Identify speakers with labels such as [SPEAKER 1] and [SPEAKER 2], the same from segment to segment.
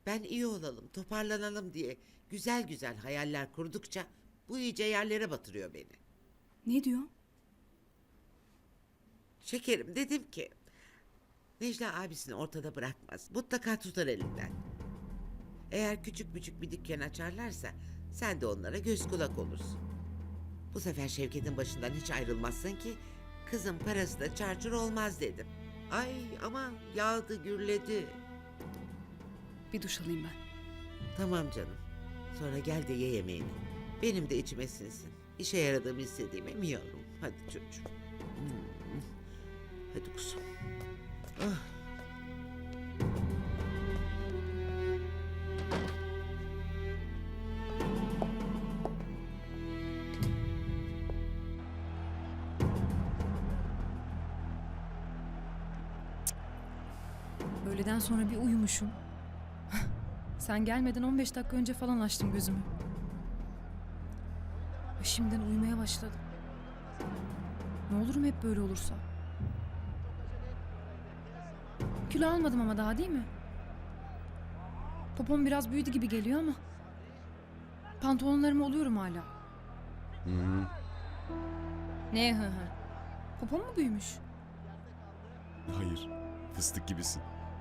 [SPEAKER 1] Ben iyi olalım, toparlanalım diye güzel güzel hayaller kurdukça bu iyice yerlere batırıyor beni.
[SPEAKER 2] Ne diyor?
[SPEAKER 1] Şekerim dedim ki Necla abisini ortada bırakmaz. Mutlaka tutar elinden. Eğer küçük küçük bir dükkan açarlarsa sen de onlara göz kulak olursun. Bu sefer Şevket'in başından hiç ayrılmazsın ki kızın parası da çarçur olmaz dedim. Ay ama yağdı gürledi.
[SPEAKER 2] Bir duş alayım ben.
[SPEAKER 1] Tamam canım. Sonra gel de ye yemeğini. Benim de içime sinsin. İşe yaradığımı istediğime mi yavrum? Hadi çocuğum. Hmm. Hadi kuzum. Ah.
[SPEAKER 2] Öğleden sonra bir uyumuşum. Sen gelmeden 15 dakika önce falan açtım gözümü. Ve şimdiden uyumaya başladım. Ne olurum hep böyle olursa. Kilo almadım ama daha değil mi? Popom biraz büyüdü gibi geliyor ama. Pantolonlarımı oluyorum hala. Ne hı hı? Popom mu büyümüş?
[SPEAKER 3] Hayır, fıstık gibisin.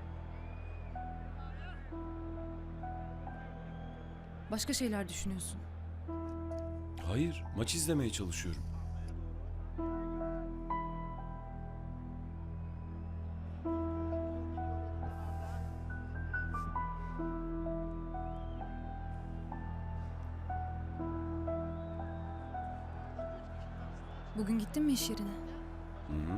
[SPEAKER 2] Başka şeyler düşünüyorsun.
[SPEAKER 3] Hayır, maç izlemeye çalışıyorum.
[SPEAKER 2] Bugün gittin mi iş yerine?
[SPEAKER 3] Hı hı.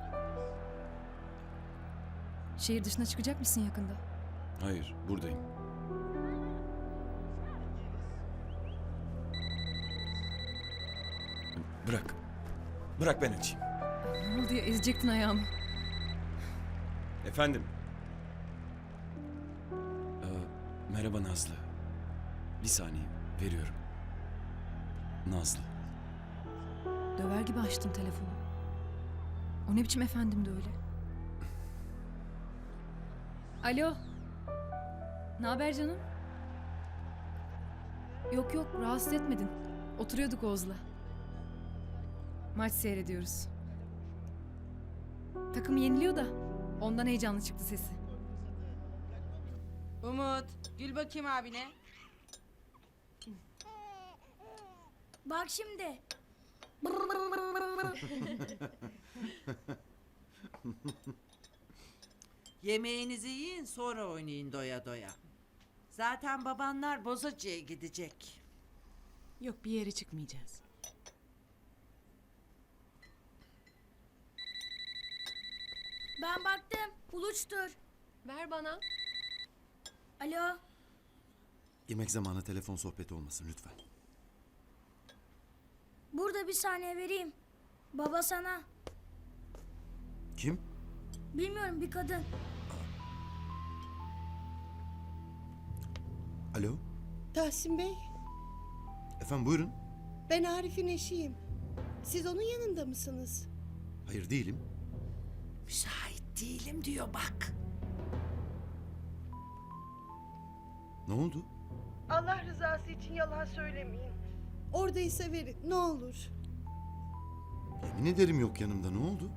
[SPEAKER 2] Şehir dışına çıkacak mısın yakında?
[SPEAKER 3] Hayır, buradayım. Bırak. Bırak ben açayım.
[SPEAKER 2] Ne oldu ya, ezecektin ayağımı.
[SPEAKER 3] Efendim. Merhaba Nazlı. Bir saniye, veriyorum. Nazlı.
[SPEAKER 2] Döver gibi açtın telefonu. O ne biçim efendimdi öyle? Alo. Ne haber canım? Yok yok, rahatsız etmedin. Oturuyorduk Oğuz'la. Maç seyrediyoruz. Takım yeniliyor da ondan heyecanlı çıktı sesi.
[SPEAKER 4] Umut, gül bakayım abine.
[SPEAKER 5] Bak şimdi.
[SPEAKER 6] Yemeğinizi yiyin sonra oynayın doya doya. Zaten babanlar Bozacı'ya gidecek.
[SPEAKER 4] Yok bir yere çıkmayacağız.
[SPEAKER 5] Ben baktım. Uluçtur.
[SPEAKER 7] Ver bana.
[SPEAKER 5] Alo.
[SPEAKER 8] Yemek zamanı telefon sohbeti olmasın lütfen.
[SPEAKER 5] Burada bir saniye vereyim. Baba sana.
[SPEAKER 8] Kim?
[SPEAKER 5] Bilmiyorum, bir kadın.
[SPEAKER 8] Alo?
[SPEAKER 9] Tahsin Bey,
[SPEAKER 8] Efendim buyurun.
[SPEAKER 9] ben Arif'in eşiyim. Siz onun yanında mısınız?
[SPEAKER 8] Hayır değilim.
[SPEAKER 6] Müsait değilim diyor bak.
[SPEAKER 8] Ne oldu?
[SPEAKER 9] Allah rızası için yalan söylemeyin. Oradaysa verin, ne olur.
[SPEAKER 8] Yemin ederim yok yanımda, ne oldu?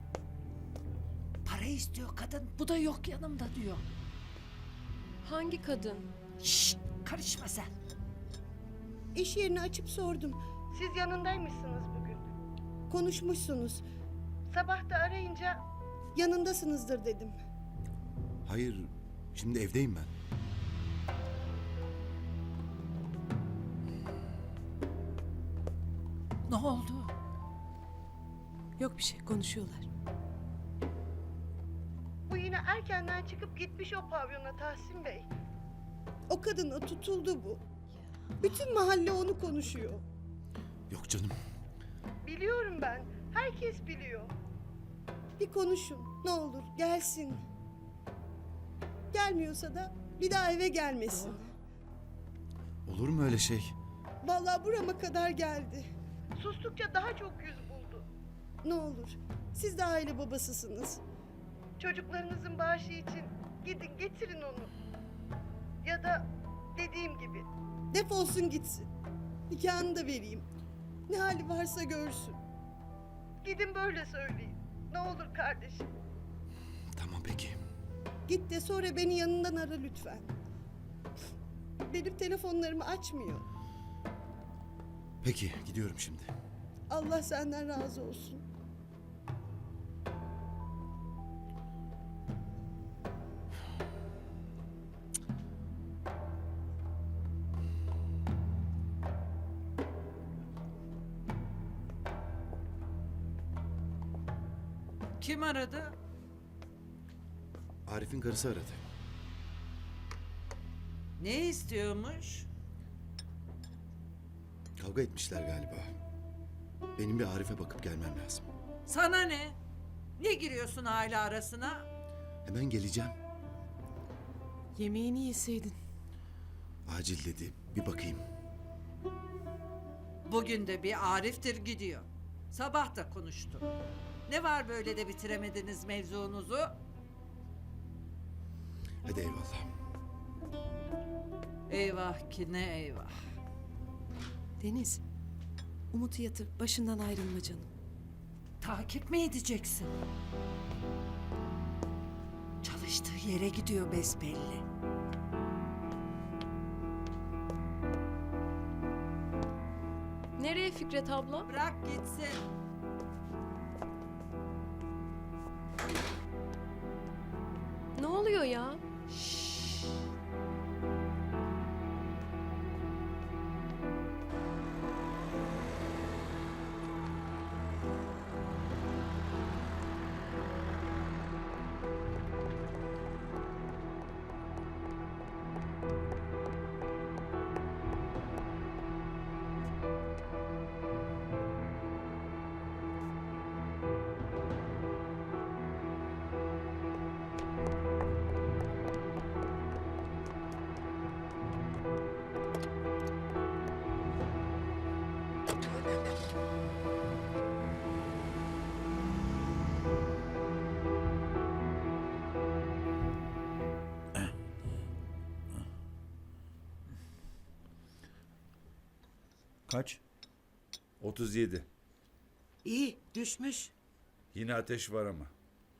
[SPEAKER 6] Para istiyor kadın. Bu da yok yanımda diyor.
[SPEAKER 7] Hangi kadın?
[SPEAKER 6] Şşt, karışma sen.
[SPEAKER 9] İş yerini açıp sordum. Siz yanındaymışsınız bugün. Konuşmuşsunuz. Sabah da arayınca yanındasınızdır dedim.
[SPEAKER 8] Hayır, şimdi evdeyim ben.
[SPEAKER 6] Ne oldu?
[SPEAKER 4] Yok bir şey, konuşuyorlar.
[SPEAKER 9] Bu yine erkenden çıkıp gitmiş o pavyona Tahsin Bey. O kadına tutuldu bu. Bütün mahalle onu konuşuyor.
[SPEAKER 8] Yok canım.
[SPEAKER 9] Biliyorum ben. Herkes biliyor. Bir konuşun. Ne olur gelsin. Gelmiyorsa da bir daha eve gelmesin.
[SPEAKER 8] Olur mu öyle şey?
[SPEAKER 9] Vallahi burama kadar geldi. Sustukça daha çok yüz buldu. Ne olur. Siz de aile babasısınız. Çocuklarınızın bağışı için gidin getirin onu. Ya da dediğim gibi defolsun gitsin. Nikahını da vereyim. Ne hali varsa görsün. Gidin böyle söyleyin. Ne olur kardeşim.
[SPEAKER 8] Tamam peki.
[SPEAKER 9] Git de sonra beni yanından ara lütfen. Benim telefonlarımı açmıyor.
[SPEAKER 8] Peki gidiyorum şimdi.
[SPEAKER 9] Allah senden razı olsun.
[SPEAKER 6] Kim aradı?
[SPEAKER 8] Arif'in karısı aradı.
[SPEAKER 6] Ne istiyormuş?
[SPEAKER 8] Kavga etmişler galiba. Benim bir Arif'e bakıp gelmem lazım.
[SPEAKER 6] Sana ne? Ne giriyorsun aile arasına?
[SPEAKER 8] Hemen geleceğim.
[SPEAKER 4] Yemeğini yeseydin.
[SPEAKER 8] Acil dedi. Bir bakayım.
[SPEAKER 6] Bugün de bir Arif'tir gidiyor. Sabah da konuştu. Ne var böyle de bitiremediniz mevzunuzu?
[SPEAKER 8] Hadi eyvallah.
[SPEAKER 6] Eyvah ki ne eyvah.
[SPEAKER 4] Deniz, Umut'u yatır, başından ayrılma canım.
[SPEAKER 6] Takip mi edeceksin? Çalıştığı yere gidiyor besbelli.
[SPEAKER 7] Nereye Fikret abla?
[SPEAKER 6] Bırak gitsin.
[SPEAKER 7] Ne oluyor ya?
[SPEAKER 10] Kaç?
[SPEAKER 11] 37.
[SPEAKER 6] İyi düşmüş.
[SPEAKER 11] Yine ateş var ama.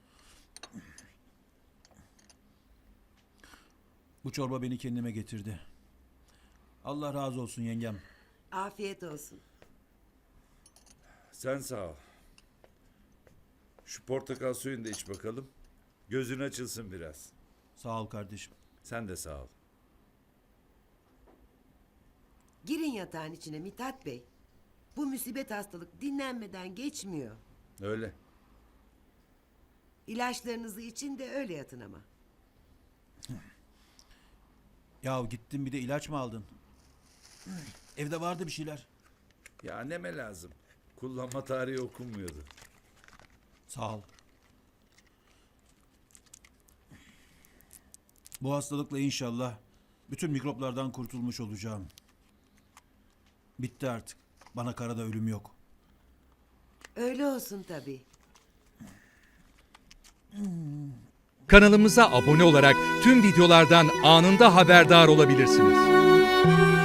[SPEAKER 10] Bu çorba beni kendime getirdi. Allah razı olsun yengem.
[SPEAKER 6] Afiyet olsun.
[SPEAKER 11] Sen sağ ol. Şu portakal suyunu da iç bakalım. Gözün açılsın biraz.
[SPEAKER 10] Sağ ol kardeşim.
[SPEAKER 11] Sen de sağ ol.
[SPEAKER 12] Girin yatağın içine Mithat Bey. Bu musibet hastalık dinlenmeden geçmiyor.
[SPEAKER 11] Öyle.
[SPEAKER 12] İlaçlarınızı için de öyle yatın ama.
[SPEAKER 10] Ya gittin bir de ilaç mı aldın? Evde vardı bir şeyler.
[SPEAKER 11] Ya anneme lazım. Kullanma tarihi okunmuyordu.
[SPEAKER 10] Sağ ol. Bu hastalıkla inşallah bütün mikroplardan kurtulmuş olacağım. Bitti artık. Bana karada ölüm yok.
[SPEAKER 12] Öyle olsun tabii.
[SPEAKER 13] Kanalımıza abone olarak tüm videolardan anında haberdar olabilirsiniz.